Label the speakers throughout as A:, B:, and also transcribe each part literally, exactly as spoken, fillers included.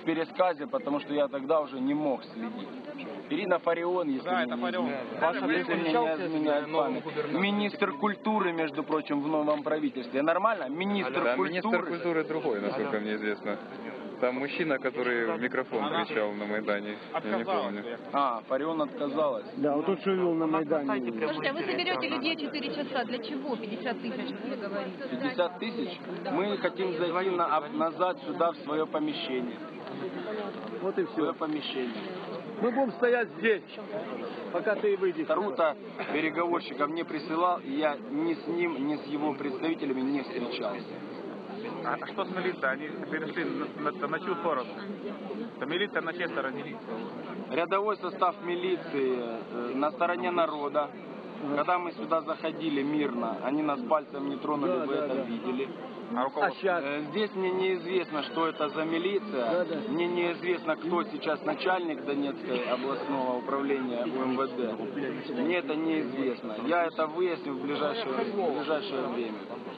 A: пересказе, потому что я тогда уже не мог следить. Ирина Фарион, если
B: да,
A: мне
B: это
A: не
B: Фарион.
A: изменяет, если мне не изменяет память. Министр культуры, между прочим, в новом правительстве. Нормально? Министр
C: да,
A: культуры.
C: Министр культуры другой, насколько мне известно. Там мужчина, который в микрофон кричал на Майдане. Я не помню.
A: А, Фарион отказалась.
D: Да, вот тот, что вел на Майдане.
E: Слушайте, а вы соберете людей четыре часа. Для чего? пятьдесят тысяч, вы говорите.
A: пятьдесят тысяч? Мы хотим зайти на, назад сюда, в свое помещение.
D: Вот и
A: В свое
D: все.
A: помещение.
D: Мы будем стоять здесь, пока ты выйдешь.
A: Тарута переговорщиков не присылал, и я ни с ним, ни с его представителями не встречался.
B: А что с милицией? Они перешли на, на, на чью сторону? Это милиция на чьей стороне?
A: Рядовой состав милиции э, на стороне народа. Когда мы сюда заходили мирно, они нас пальцем не тронули,
D: Да,
A: вы
D: да,
A: это
D: да.
A: видели.
B: А
D: А сейчас?
A: Э, Здесь мне неизвестно, что это за милиция.
D: Да, да.
A: Мне неизвестно, кто сейчас начальник Донецкой областного управления УМВД. Мне это неизвестно. Я это выясню в ближайшее, в ближайшее время.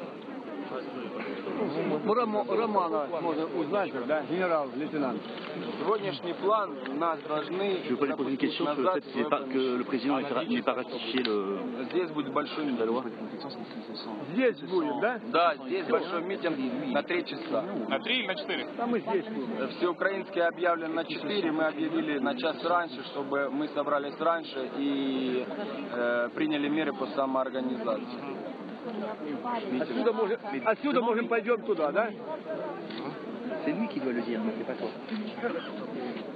D: Рома- Романа можно узнать, да, генерал-лейтенант.
A: Сегодняшний план нас должны
F: Je voudrais poser une question sur le fait que, pas- que le président n'ait pas ratifié le,
A: Здесь будет большой
F: la loi.
A: митинг.
D: Здесь будем, да?
A: Да, здесь большой митинг на три часа.
B: На три или на четыре?
D: А мы здесь будем.
A: Всеукраинский объявлен на четыре, мы объявили на час раньше, чтобы мы собрались раньше и э, приняли меры по самоорганизации.
D: Отсюда можем, отсюда можем пойдем туда, да?
F: C'est lui qui doit le dire, c'est pas toi.